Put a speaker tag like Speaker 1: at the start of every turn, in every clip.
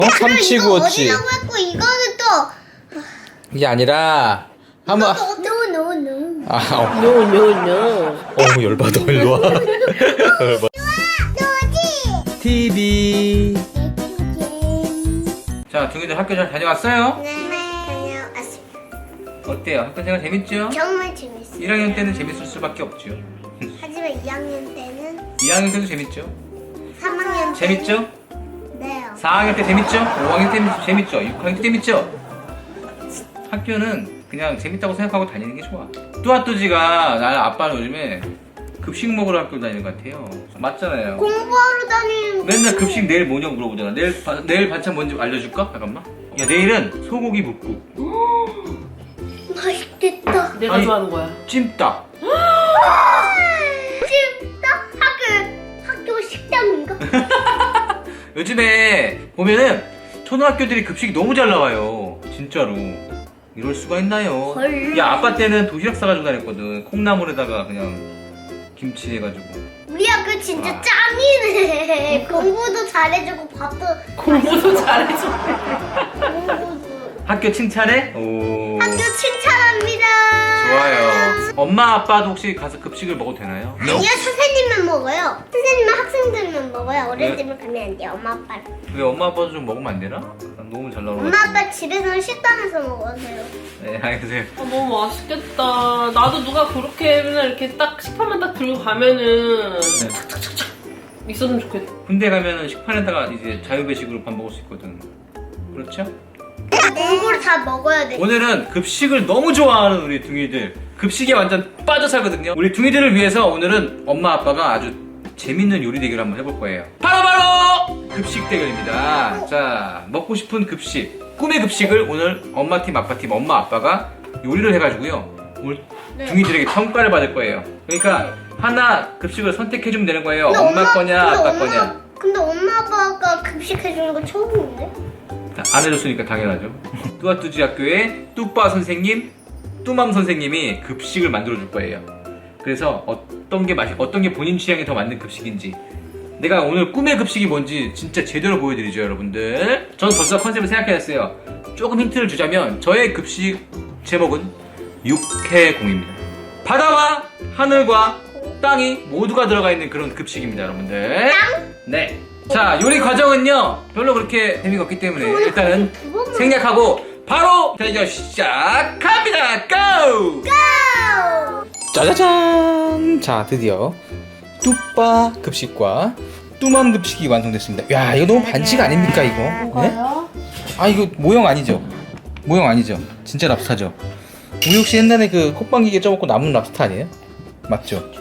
Speaker 1: 삼치구웠지.
Speaker 2: 이거 어디라고 했고 이거는 또
Speaker 1: 이게 아니라 한번
Speaker 2: 노노노.
Speaker 3: 노노노.
Speaker 1: 열받아. 일로 와.
Speaker 2: 노지.
Speaker 1: TV. 자, 둥이들 학교 잘 다녀왔어요?
Speaker 2: 네. 다녀왔습니다.
Speaker 1: 어때요? 학교 생활 재밌죠?
Speaker 2: 정말 재밌어요.
Speaker 1: 1학년 때는 재밌을 수밖에 없죠.
Speaker 2: 하지만 2학년 때는
Speaker 1: 2학년 때도 재밌죠?
Speaker 2: 3학년 때는
Speaker 1: 재밌죠?
Speaker 2: 네.
Speaker 1: 4학년 때 재밌죠? 5학년 때 재밌죠? 6학년 때 재밌죠? 학교는 그냥 재밌다고 생각하고 다니는 게 좋아. 뚜아뚜지가 나는 아빠는 요즘에 급식 먹으러 학교 다니는 것 같아요. 맞잖아요.
Speaker 2: 공부하러 다니는
Speaker 1: 맨날 급식 내일 뭐냐고 물어보잖아. 내일 반찬 뭔지 알려줄까? 잠깐만. 야, 내일은 소고기 묵국,
Speaker 2: 맛있겠다.
Speaker 3: 내가
Speaker 1: 아니,
Speaker 3: 좋아하는 거야.
Speaker 1: 찜닭.
Speaker 2: 찜닭 학교 식당인가?
Speaker 1: 요즘에 보면은 초등학교들이 급식이 너무 잘 나와요. 진짜로. 이럴 수가 있나요?
Speaker 2: 헐.
Speaker 1: 야, 아빠 때는 도시락 싸가지고 다녔거든. 콩나물에다가 그냥 김치 해가지고.
Speaker 2: 우리 학교 진짜
Speaker 1: 아.
Speaker 2: 짱이네. 공부도 잘해주고 밥도
Speaker 3: 공부도 잘해줘.
Speaker 2: 공부도.
Speaker 1: 학교 칭찬해? 오.
Speaker 2: 학교 칭찬합니다.
Speaker 1: 좋아요. 엄마 아빠도 혹시 가서 급식을 먹어도 되나요?
Speaker 2: 아니요, 선생님만 먹어요. 선생님은 학생들만 먹어요. 어린이집을 가면 안 돼요. 엄마 아빠는.
Speaker 1: 왜 엄마 아빠도 좀 먹으면 안 되나? 난 너무 잘 나오는 것
Speaker 2: 엄마
Speaker 1: 같은데.
Speaker 2: 아빠 집에서는 식당에서 먹어서요.
Speaker 1: 네, 알겠어요.
Speaker 3: 너무 맛있겠다. 나도 누가 그렇게 맨날 이렇게 딱 식판만 딱 들고 가면은
Speaker 1: 네.
Speaker 3: 있었으면 좋겠다.
Speaker 1: 군대 가면은 식판에다가 이제 자유배식으로 밥 먹을 수 있거든. 그렇죠?
Speaker 2: 공부를 다 먹어야 돼.
Speaker 1: 오늘은 급식을 너무 좋아하는 우리 둥이들, 급식에 완전 빠져 살거든요. 우리 둥이들을 위해서 오늘은 엄마 아빠가 아주 재밌는 요리 대결을 한번 해볼 거예요. 바로 급식 대결입니다. 자, 먹고 싶은 급식, 꿈의 급식을 오늘 엄마 팀, 아빠 팀, 엄마 아빠가 요리를 해가지고요. 오늘
Speaker 2: 네.
Speaker 1: 둥이들에게 평가를 받을 거예요. 그러니까 하나 급식을 선택해주면 되는 거예요.
Speaker 2: 근데
Speaker 1: 엄마 거냐,
Speaker 2: 근데
Speaker 1: 아빠 거냐.
Speaker 2: 근데 엄마 아빠가 급식해주는 건 처음인데?
Speaker 1: 안 해줬으니까 당연하죠. 뚜아뚜지 학교의 뚜빠 선생님, 뚜맘 선생님이 급식을 만들어 줄 거예요. 그래서 어떤 게 본인 취향에 더 맞는 급식인지, 내가 오늘 꿈의 급식이 뭔지 진짜 제대로 보여드리죠, 여러분들. 저는 벌써 컨셉을 생각해놨어요. 조금 힌트를 주자면 저의 급식 제목은 육해공입니다. 바다와 하늘과 땅이 모두가 들어가 있는 그런 급식입니다, 여러분들. 네. 자, 요리 과정은요 별로 그렇게 재미가 없기 때문에 일단은 생략하고 바로 대결 시작합니다. 고! 짜자잔! 자, 드디어 뚜빠 급식과 뚜맘 급식이 완성됐습니다. 야, 이거 너무 반칙 아닙니까, 이거? 네? 아, 이거 모형 아니죠? 모형 아니죠? 진짜 랍스타죠? 우리 혹시 옛날에 그 콧방귀게 쪄먹고 남은 랍스타 아니에요? 맞죠?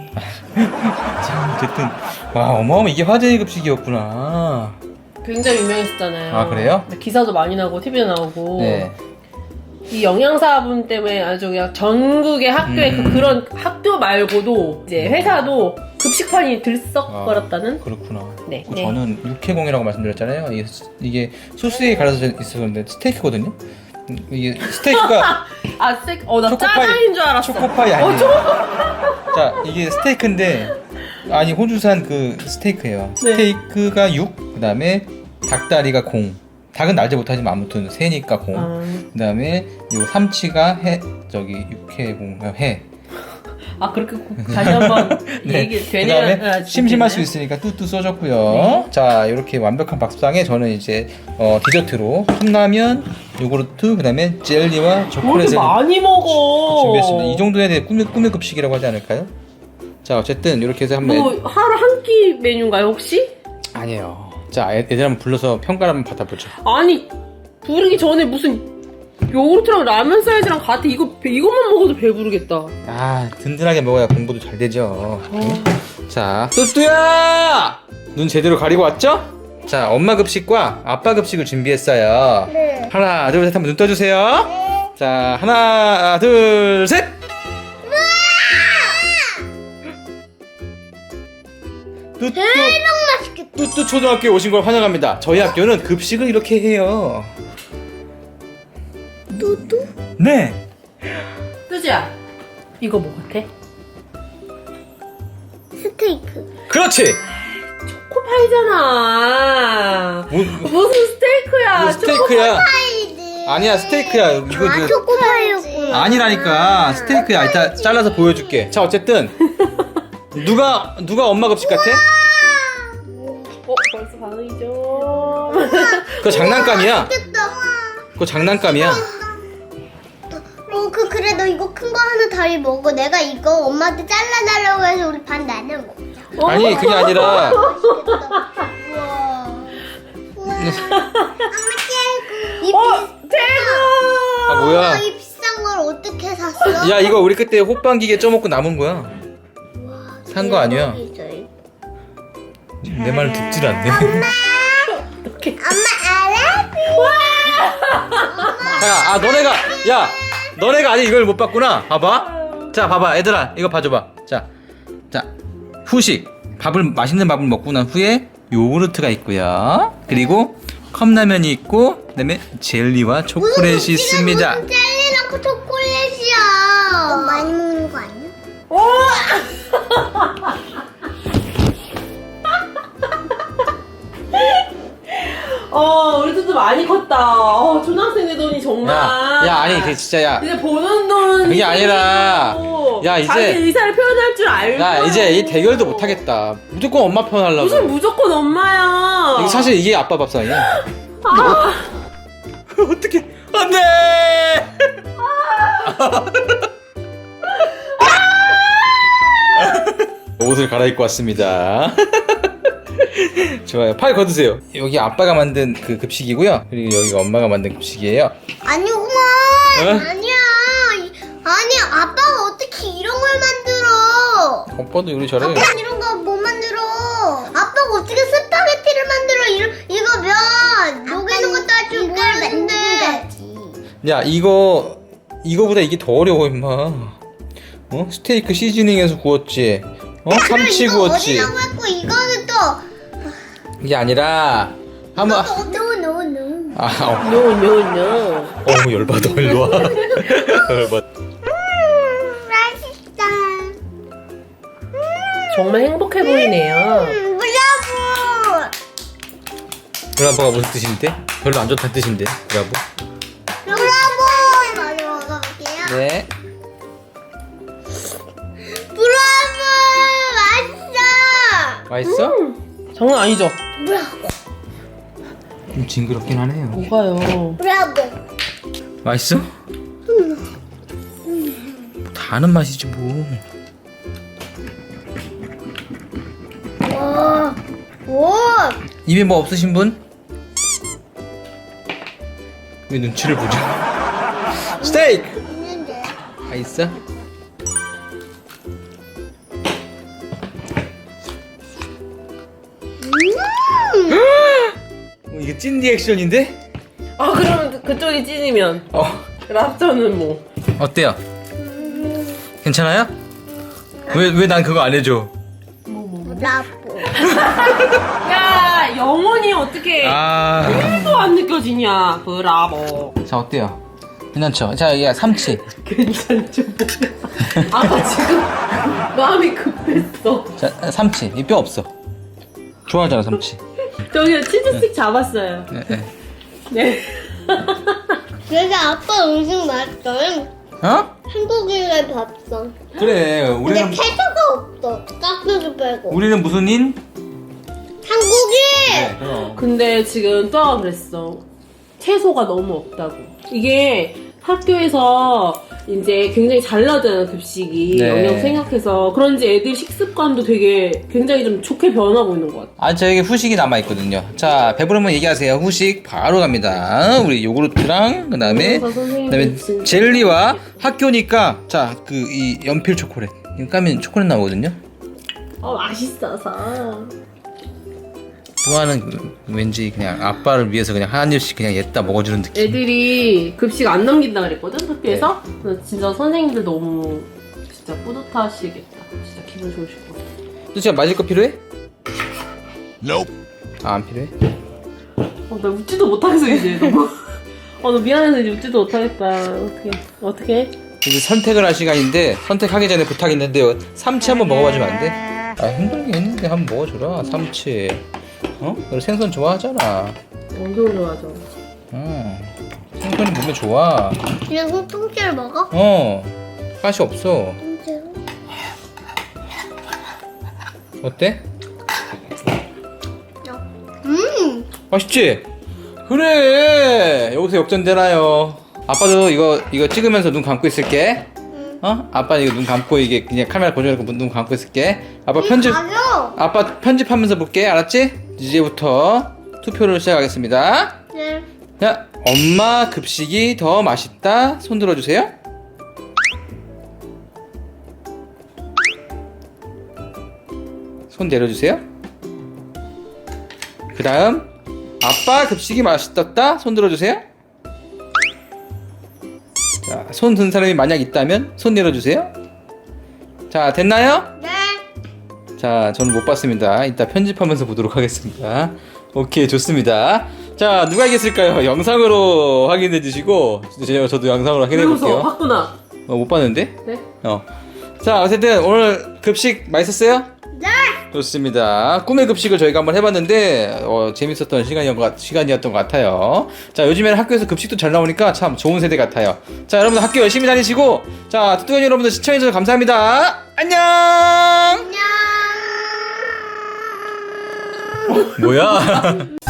Speaker 1: 자, 어쨌든 와, 어마어마, 이게 화제의 급식이었구나.
Speaker 3: 굉장히 유명했었잖아요.
Speaker 1: 아, 그래요?
Speaker 3: 기사도 많이 나오고 TV에 나오고.
Speaker 1: 네.
Speaker 3: 이 영양사분 때문에 아주 그냥 전국의 학교에 그런 학교 말고도 이제 회사도 급식판이 들썩거렸다는.
Speaker 1: 그렇구나.
Speaker 3: 네.
Speaker 1: 그 저는 육해공이라고 말씀드렸잖아요. 이게 소스에 갈아서 있었는데 스테이크거든요. 이게 스테이크가
Speaker 3: 아, 나
Speaker 1: 초코파이-
Speaker 3: 짜장인 줄 알았어.
Speaker 1: 초코파이 아니에요. 자, 이게 스테이크인데, 아니, 호주산 그 스테이크예요.
Speaker 3: 네.
Speaker 1: 스테이크가 6, 그 다음에 닭다리가 공. 닭은 날지 못하지만 아무튼 새니까 공. 그 다음에 요 삼치가 육해공, 해.
Speaker 3: 아, 그렇게 다시 한번 얘기
Speaker 1: 그
Speaker 3: 되냐?
Speaker 1: 다음에 심심할 수 있으니까 뚜뚜 써줬고요.
Speaker 3: 네.
Speaker 1: 자, 이렇게 완벽한 밥상에 저는 이제 디저트로 컵라면, 요구르트, 그 다음에 젤리와
Speaker 3: 왜 이렇게
Speaker 1: 초콜릿을
Speaker 3: 많이 먹어?
Speaker 1: 준비했습니다. 이 정도 해야 돼. 꿈의 급식이라고 하지 않을까요? 자, 어쨌든 이렇게 해서 한번
Speaker 3: 뭐 하루 한 끼 메뉴인가요 혹시?
Speaker 1: 아니에요. 자, 애들 한번 불러서 평가를 한번 받아보죠.
Speaker 3: 아니 부르기 전에 무슨 요구르트랑 라면 사이즈랑 같아. 이것만 먹어도 배부르겠다.
Speaker 1: 아, 든든하게 먹어야 공부도 잘 되죠. 자, 뚜뚜야! 눈 제대로 가리고 왔죠? 자, 엄마 급식과 아빠 급식을 준비했어요.
Speaker 2: 네.
Speaker 1: 하나, 둘, 셋, 한번 눈 떠주세요. 자, 하나, 둘, 셋! 뚜뚜,
Speaker 2: 대박 맛있겠다.
Speaker 1: 뚜뚜 초등학교에 오신 걸 환영합니다. 저희 학교는 급식을 이렇게 해요.
Speaker 2: 뚜뚜?
Speaker 1: 네.
Speaker 3: 뚜지야, 이거 뭐 같아?
Speaker 2: 스테이크.
Speaker 1: 그렇지!
Speaker 3: 초코 초코파이잖아. 무슨 스테이크야?
Speaker 1: 이거 스테이크야.
Speaker 2: 파이드.
Speaker 1: 아니야, 스테이크야. 이거
Speaker 2: 아, 초코파이였구나.
Speaker 1: 아니라니까. 스테이크야. 이따 잘라서 보여줄게. 자, 어쨌든 누가 엄마 급식 같아?
Speaker 3: 벌써 반응이죠.
Speaker 2: 아,
Speaker 1: 그거 장난감이야.
Speaker 2: 맛있겠다.
Speaker 1: 그거 장난감이야.
Speaker 2: 그래 너 이거 큰 거 하나 다리 먹어. 내가 이거 엄마한테 잘라달라고 해서 우리 반 나눠 먹자.
Speaker 1: 아니, 그게 아니라
Speaker 2: 맛있겠다. 우와. 엄마
Speaker 3: 대구!
Speaker 1: 아, 뭐야?
Speaker 2: 이 비싼 걸 어떻게 샀어?
Speaker 1: 야, 이거 우리 그때 호빵기계 쪄먹고 남은 거야. 산 거 아니야. 내 말 듣질 않네.
Speaker 2: 엄마 알아?
Speaker 1: 자, 너네가 아직 이걸 못 봤구나. 봐봐. 자, 봐봐. 얘들아, 이거 봐줘봐. 자, 후식. 맛있는 밥을 먹고 난 후에 요구르트가 있고요. 그리고 컵라면이 있고, 그다음에 젤리와 초콜릿이 있습니다.
Speaker 2: 무슨 젤리랑 초콜릿이야. 너무 많이 먹는 거 아니야?
Speaker 3: 우리 둘도 많이 컸다. 초등학생 되더니 정말.
Speaker 1: 야, 아니, 그 진짜, 야.
Speaker 3: 이제 보는 돈.
Speaker 1: 그게 아니라, 야, 이제-
Speaker 3: 자기 의사를 표현할 줄 알고.
Speaker 1: 나 이제 이 대결도 못 하겠다. 무조건 엄마 편 하려고.
Speaker 3: 무슨 무조건 엄마야.
Speaker 1: 이거 사실 이게 아빠 밥상이야. 어떻게? 안돼. 옷을 갈아입고 왔습니다. 좋아요. 팔 걷으세요. 여기 아빠가 만든 그 급식이고요. 그리고 여기가 엄마가 만든 급식이에요.
Speaker 2: 아니구만.
Speaker 1: 어?
Speaker 2: 아니야. 아니 아빠가 어떻게 이런 걸 만들어?
Speaker 1: 오빠도 요리 잘해.
Speaker 2: 아빠는 이런 거 못 만들어. 아빠가 어떻게 스파게티를 만들어? 이거 면 녹이는 것도 아주 빠른데.
Speaker 1: 야, 이거보다 이게 더 어려워 임마. 어? 스테이크 시즈닝해서 구웠지. 참치
Speaker 2: 이거
Speaker 1: 구웠지.
Speaker 2: 어디라고 했고 이거는 또
Speaker 1: 이게 아니라 한번.
Speaker 2: 노노노.
Speaker 3: 노노노.
Speaker 1: 열받아. 일로 와. 열받아.
Speaker 2: 맛있다.
Speaker 3: 정말 행복해 보이네요.
Speaker 2: 브라보.
Speaker 1: 브라보가 무슨 뜻인데? 별로 안 좋다는 뜻인데. 브라보.
Speaker 2: 브라보. 많이 먹어볼게요.
Speaker 1: 네.
Speaker 2: 브라보. 맛있어.
Speaker 1: 맛있어?
Speaker 3: 장난 아니죠?
Speaker 2: 브라보.
Speaker 1: 좀 징그럽긴 하네요.
Speaker 3: 뭐가요?
Speaker 2: 브라보.
Speaker 1: 맛있어? 다 아는 맛이지 뭐.
Speaker 2: 와. 오.
Speaker 1: 입에 뭐 없으신 분? 왜 눈치를 보죠? 스테이크!
Speaker 2: 있는데.
Speaker 1: 다 있어? 이게 찐 리액션인데?
Speaker 3: 그러면 그쪽이 찐이면 랍스터는 뭐?
Speaker 1: 어때요? 괜찮아요? 왜 난 그거 안 해줘?
Speaker 2: 브라보.
Speaker 3: 야, 영혼이 어떻게
Speaker 1: 아.
Speaker 3: 또 안 느껴지냐? 브라보.
Speaker 1: 자, 어때요? 괜찮죠? 자, 여기가 삼치.
Speaker 3: 괜찮죠? 아까 지금 마음이 급했어.
Speaker 1: 자, 삼치. 이 뼈 없어. 좋아하잖아, 삼치.
Speaker 3: 저기 치즈스틱 잡았어요.
Speaker 1: 네.
Speaker 3: 네.
Speaker 2: 그래서 아빠 음식 맛있어.
Speaker 1: 어?
Speaker 2: 한국인의 밥상.
Speaker 1: 그래,
Speaker 2: 근데
Speaker 1: 우리는
Speaker 2: 케첩가 없어. 깍두기 빼고.
Speaker 1: 우리는 무슨 인?
Speaker 2: 한국인.
Speaker 1: 네, 그럼.
Speaker 3: 근데 지금 또아가 그랬어. 채소가 너무 없다고. 이게 학교에서 이제 굉장히 잘 나오잖아요, 급식이.
Speaker 1: 네.
Speaker 3: 영양 생각해서. 그런지 애들 식습관도 되게 굉장히 좀 좋게 변하고 있는 것 같아.
Speaker 1: 아, 저에게 후식이 남아있거든요. 자, 배부르면 얘기하세요. 후식 바로 갑니다. 우리 요구르트랑, 그 다음에 젤리와 학교니까, 자, 이 연필 초콜릿. 이거 까면 초콜릿 나오거든요.
Speaker 3: 맛있어서.
Speaker 1: 또하는 왠지 그냥 아빠를 위해서 그냥 한 입씩 그냥 옜다 먹어주는 느낌.
Speaker 3: 애들이 급식 안 넘긴다 그랬거든, 학교에서. 그래서 진짜 선생님들 너무 진짜 뿌듯하시겠다. 진짜 기분 좋으실 것 같아.
Speaker 1: 너 진짜 맞을 거 필요해? 아, 안 필요해?
Speaker 3: 나 웃지도 못하겠어, 이제. 너무. 너 미안해서 이제 웃지도 못하겠다. 어떻게?
Speaker 1: 이제 선택을 할 시간인데 선택하기 전에 부탁이 있는데요. 삼치 한번 먹어봐주면 안 돼? 아, 힘들게 했는데 한번 먹어줘라. 삼치. 어? 너 생선 좋아하잖아.
Speaker 3: 엄청 좋아하죠.
Speaker 1: 생선이 몸에 좋아.
Speaker 2: 그냥 통째로 먹어?
Speaker 1: 가시 없어.
Speaker 2: 통째로?
Speaker 1: 어때? 맛있지? 그래. 여기서 역전되나요? 아빠도 이거 찍으면서 눈 감고 있을게. 아빠 이거 눈 감고 이게 그냥 카메라 고정해놓고 눈 감고 있을게.
Speaker 2: 가요.
Speaker 1: 아빠 편집하면서 볼게. 알았지? 이제부터 투표를 시작하겠습니다.
Speaker 2: 네.
Speaker 1: 자, 엄마 급식이 더 맛있다. 손 들어주세요. 손 내려주세요. 그 다음 아빠 급식이 맛있었다. 손 들어주세요. 자, 손 든 사람이 만약 있다면 손 내려주세요. 자, 됐나요?
Speaker 2: 네.
Speaker 1: 자, 저는 못 봤습니다. 이따 편집하면서 보도록 하겠습니다. 오케이, 좋습니다. 자, 누가 이겼을까요? 영상으로 확인해 주시고, 저도 영상으로 확인해 볼게요.
Speaker 3: 봤구나.
Speaker 1: 못 봤는데?
Speaker 3: 네.
Speaker 1: 자, 어쨌든 오늘 급식 맛있었어요?
Speaker 2: 네.
Speaker 1: 좋습니다. 꿈의 급식을 저희가 한번 해봤는데 재밌었던 시간이었던 것 같아요. 자, 요즘에는 학교에서 급식도 잘 나오니까 참 좋은 세대 같아요. 자, 여러분들 학교 열심히 다니시고, 자, 뚜뚜이 여러분들 시청해주셔서 감사합니다. 안녕.
Speaker 2: 안녕.
Speaker 1: 뭐야?